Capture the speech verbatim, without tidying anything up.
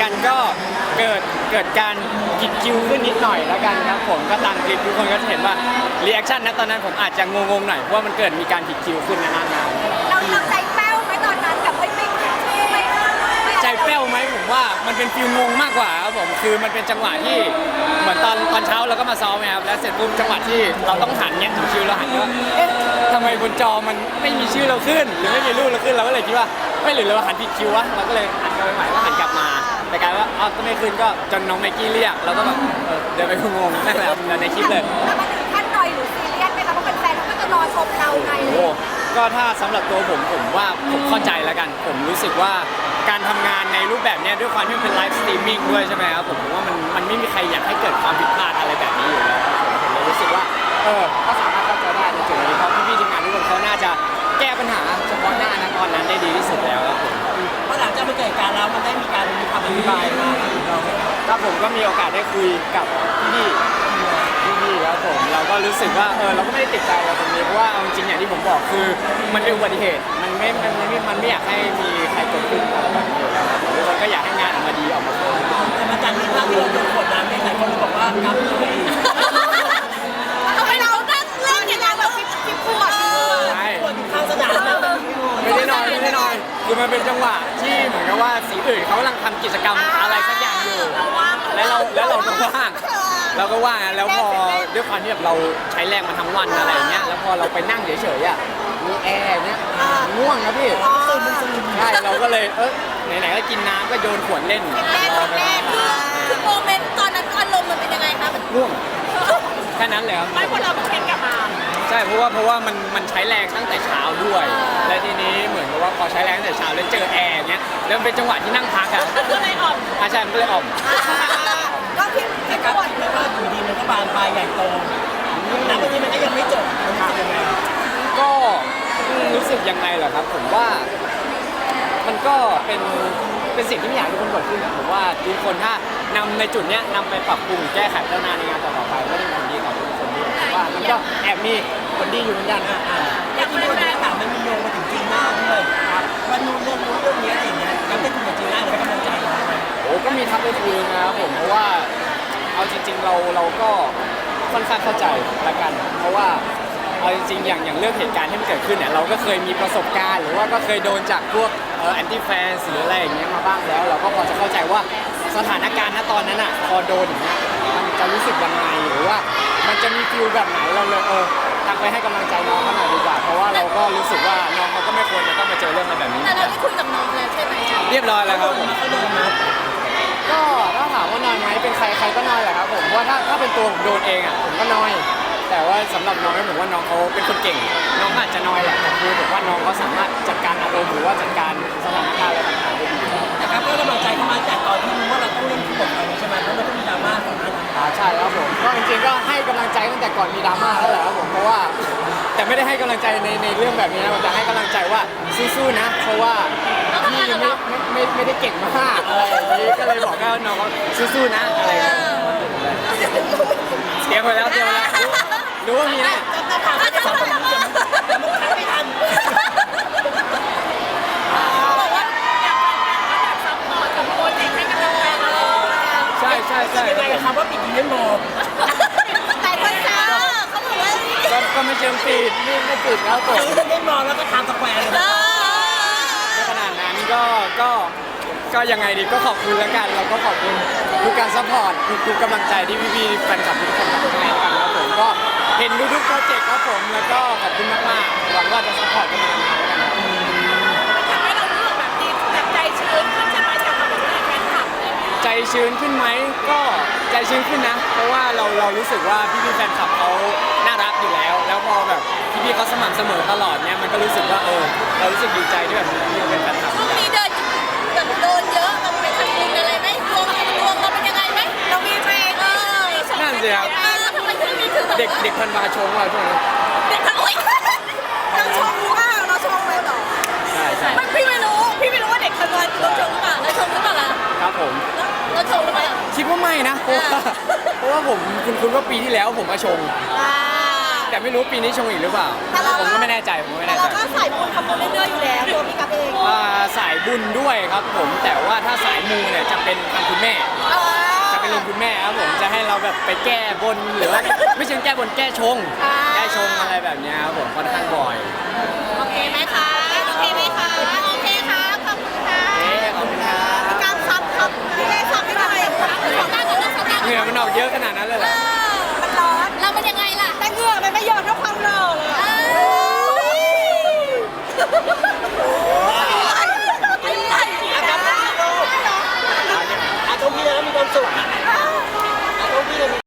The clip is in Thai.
กันก็เกิดเกิดการผิดคิวขึ้นนิดหน่อยแล้วกันครับผมก็ตามคลิปทุกคนก็จะเห็นว่ารีแอคชั่นนะตอนนั้นผมอาจจะงงๆหน่อยเพราะว่ามันเกิดมีการผิดคิวขึ้นในหน้างานเราเราใจแป้วไหมตอนนั้นกับไม่ไม่ไม่ไม่ไม่ใจแป้วไหมผมว่ามันเป็นฟิลงงมากกว่าครับผมคือมันเป็นจังหวะที่เหมือนตอนตอนเช้าเราก็มาซ้อมนะครับแล้วเสร็จปุ๊บจังหวะที่เราต้องหันเนี่ยถึงคิวเราหันว่าเอ๊ะทำไมบนจอมันไม่มีชื่อเราขึ้น หรือไม่มีรูปเราขึ้นเราก็เลยคิดว่าไม่หรือเราหันผิดคิววะเราก็เลยหันกลับไปใหม่ก็หันกลับมาแต่กลายว่าอ้าวก็ไม่ขึ้นก็จนน้องไมกี้เรียกเราก็แบบเออเดินไปงงๆนั่นแหละครับในคลิปเลยแล้วมาถึงขั้นหน่อยหรือซีเรียสไหมคะเพราะแฟนๆเขาก็จะรอชมเราไงโอ้ก็ถ้าสำหรับตัวผมผมว่าผมเข้าใจแล้วกัน ผมรู้สึกว่าการทำงานในรูปแบบนี้ด้วยความที่มันเป็นไลฟ์สตรีมมิ่งด้วยใช่ไหมครับผมผมว่ามันมันไม่มีใครอยากให้เกิดความผิดพลาดอะไรแบบนี้อยู่แล้วครับผมผมเลยรู้สึกว่าเออก็สามารถเข้าใจได้ในจุดนี้เพราะพี่ๆทีมงานทุกคนเขาน่าจะแก้ปัญหาเฉพาะหน้านะตอนนั้นได้ดีที่สุดแล้วครับผมเพราะหลังจากมันเกิดการแล้วมันได้มีการมีคำอธิบายมาถึงเราไหมครับถ้าผมก็มีโอกาสได้คุยกับพี่ๆพี่ๆครับผมเราก็รู้สึกว่าเออเราก็ไม่ได้ติดใจอะไรตรงนี้เพราะว่าเอาจริงๆอย่างที่ผมบอกคือมันเป็นอุบัติเหตุมันไม่มันไม่มันไม่อยากให้มีใครเกิดขึ้นอะไรแบบนี้อยู่แล้วครับผมทุกคนก็อยากให้งานออกมาดีออกมาสวยแต่มาจากที่ภาพที่เราโดนกดดันในหลายคนบอกว่ากับเลยทำไมเราตั้งเรื่องอย่างนั้นแบบฟิปฟิปขวดใช่คนอยู่ข้างสนามแล้วมันไม่ได้นอนไม่ได้นอนคือมันเป็นจังหวะที่เหมือนกับว่าสีอื่นเขากำลังทำกิจกรรมอะไรสักอย่างอยู่แล้วเราแล้วเราก็ว่างเราก็ว่างอะแล้วพอด้วยความที่แบบเราใช้แรงมาทั้งวันอะไรอย่างเงี้ยแล้วพอเราไปนั่งเฉยๆอ่ะมีแอร์เนี้ยง่วงนะพี่ใช่เราก็เลยเออไหนๆก็กินน้ำก็โยนขวดเล่นแรกแรกคือคือโมเมนต์ตอนนั้นอารมณ์มันเป็นยังไงคะมันง่วงแค่นั้นเลยครับไม่พอเราเช็คกลับมาใช่เพราะว่าเพราะว่ามันมันใช้แรงตั้งแต่เช้าด้วย และทีนี้เหมือนกับว่าพอใช้แรงตั้งแต่เช้าแล้วเจอแอร์เงี้ยแล้วมันเป็นจังหวะที่นั่งพักอ่ะก็เลยอ่อนอาจารย์ก็เลยอ่อมก็ฟิปฟิแต่ปกับขวดไม่ว่าอยู่ดีมันก็บานปลายใหญ่โตแต่วันนี้มันก็ยังไม่จบมันรู้สึกยังไงก็รู้สึกยังไงเหรอครับผมว่ามันก็เป็นเป็นสิ่งที่ไม่อยากให้ทุกคนเกิดขึ้นอะผมว่าทุกคนถ้านำในจุดเนี้ยนำไปปรับปรุงแก้ไขพัฒนาในงานต่อๆไปก็เป็นผลดีกับทุกคนด้วยผมว่ามันก็แอบมีผลดีอยู่เหมือนกันนะอยากที่โดนถามมันมีโยงมาถึงจีน่าด้วยครับว่านู่นเรื่องนู้นเรื่องนี้อะไรอย่างเงี้ยก็ได้คุยกับจีน่าหรือให้กำลังใจเขาไหมโอ้ก็มีทักไปคุยนะครับผมเพราะว่าเอาจริง ๆ เราเราก็ค่อนข้างเข้าใจละกัน เพราะว่าเอาจริงๆอย่างอย่างเรื่องเหตุการณ์ที่มันเกิดขึ้นเนี่ยเราก็เคยมีประสบการณ์หรือว่าก็เคยโดนจากพวกเอ่อแอนตี้แฟนหรืออะไรอย่างเงี้ยมาบ้างแล้ว เราก็พอจะเข้าใจว่าสถานการณ์ณตอนนั้นอ่ะพอโดนอย่างเงี้ยมันจะรู้สึกยังไงหรือว่ามันจะมีฟิลแบบไหนเราเลยเออทักไปให้กำลังใจน้องเขาหน่อยดีกว่าเพราะว่าเราก็รู้สึกว่าน้องเขาก็ไม่ควรจะต้องมาเจอเรื่องอะไรแบบนี้แต่เราได้คุยกับน้องแล้วใช่ไหมเรียบร้อยแล้วครับผมเขาโดนนะก็ถ้าถามว่านอยไหมเป็นใครใครก็นอยแหละครับผมเพราะว่าถ้าถ้าเป็นตัวผมโดนเองอ่ะผมก็นอย แต่ว่าสำหรับน้องผมว่าน้องเขาเป็นคนเก่ง น้องอาจจะนอยแหละแต่คือผมว่าน้องเขาสามารถจัดการอารมณ์หรือว่าจัดการสถานการณ์อะไรต่างๆได้ดีแต่ครับก็กำลังใจเขามาจากตอนที่รู้ว่าเราต้องเล่นคู่กับเขาใช่ไหมเพราะมันต้องมีดราม่าก่อนหน้านั้นอ่าใช่ครับผมก็จริงๆก็ให้กำลังใจตั้งแต่ก่อนมีดราม่าแล้วแหละครับผมเพราะว่าแต่ไม่ได้ให้กำลังใจในในเรื่องแบบนี้นะผมจะให้กำลังใจว่าสู้ๆนะ เพราะว่าพี่ไม่ไม่ไม่ไม่ได้เก่งมากอะไรอย่างนี้ก็เลยบอกว่าน้องเขาสู้ๆนะอะไรอย่างเงี้ยเตรียมไว้แล้วเตรียมไว้แล้วรู้รู้ว่ามีแน่จะถามว่าจะสอนคนนี้จะมันทันไม่ทันบอกว่าอยากเป็นแบบซัพพอร์ตกับโปรเจกต์ให้กำลังใจเราใช่ใช่ใช่ยังไงกับคำว่าปิดอีเวนต์โมแต่คนเจอเขาบอกว่าก็ก็ไม่เชิงปิดไม่ไม่ปิดครับผมซื้ออีเวนต์โมแล้วก็ทำสแควร์เลยเออไม่ขนาดนั้นก็ก็ก็ยังไงดีก็ขอบคุณแล้วกันเราก็ขอบคุณทุกการซัพพอร์ตทุกๆกำลังใจที่พี่ๆแฟนคลับทุกคนทำให้กันครับผมก็เห็นทุกๆโปรเจกต์ครับผมแล้วก็ขอบคุณมากๆหวังว่าจะซัพพอร์ตกันมานานๆแล้วกันครับทำให้เรารู้สึกแบบดีแบบใจชื้นขึ้นใช่ไหมจากความเป็นแฟนคลับอะไรอย่างเงี้ยใจชื้นขึ้นไหมก็ใจชื้นขึ้นนะ เพราะว่าเราเรารู้สึกว่าพี่ๆแฟนคลับเขาน่ารักอยู่แล้ว แล้วพอแบบพี่ๆเขาสม่ำเสมอตลอดเนี่ยมันก็รู้สึกว่าเออเรารู้สึกดีใจที่แบบพี่ๆเป็นแฟนคลับช่วงนี้เดินแบบโดนเยอะเราไปทำบุญอะไรไหมดวงดวงเราเป็นยังไงไหมเรามีไหมเออนั่นสิครับเออทำไมช่วงนี้ถึงแบบเด็กเด็กพันวาชงว่าช่วงนี้เด็กทั้งอุ้ยเราชมว่าเราชมเลยเหรอใช่ใช่ไม่พี่ไม่รู้พี่ไม่รู้ว่าเด็กทันวันเราชมหรือเปล่าเราชมหรือเปล่าล่ะครับผมเราชมหรือเปล่าคิดว่าไม่นะเพราะว่าเพราะว่าผมคุณคุณว่าปีที่แล้วผมมาชงอ่าแต่ไม่รู้ปีนี้ชงอีกหรือเปล่าผมก็ไม่แน่ใจผมก็ไม่แต่แน่ใจเราก็ใส่บุญทำบุญเรื่อยๆอยู่แล้วตัวพี่กับเองอ่าสายบุญด้วยครับผมแต่ว่าถ้าสายมูเนี่ยจะเป็นทางคุณแม่เออจะเป็นลุงคุณแม่ครับผมจะให้เราแบบไปแก้บนหรือว่าไม่ใช่แก้บนแก้ชงอ่าแก้ชงอะไรแบบเนี้ยครับผมค่อนข้างบ่อยโอเคไหมคะโอเคไหมคะโอเคครับขอบคุณค่ะเอ๊ะขอบคุณครับพี่การซับครับพี่เล่ซับไม่ได้ครับขอการกันนะขอการเหงื่อมันออกเยอะขนาดนั้นเลยเหรอมันร้อนเรามันยังไงล่ะแต่เหงื่อมันไม่หยดเท่าความหล่อเลย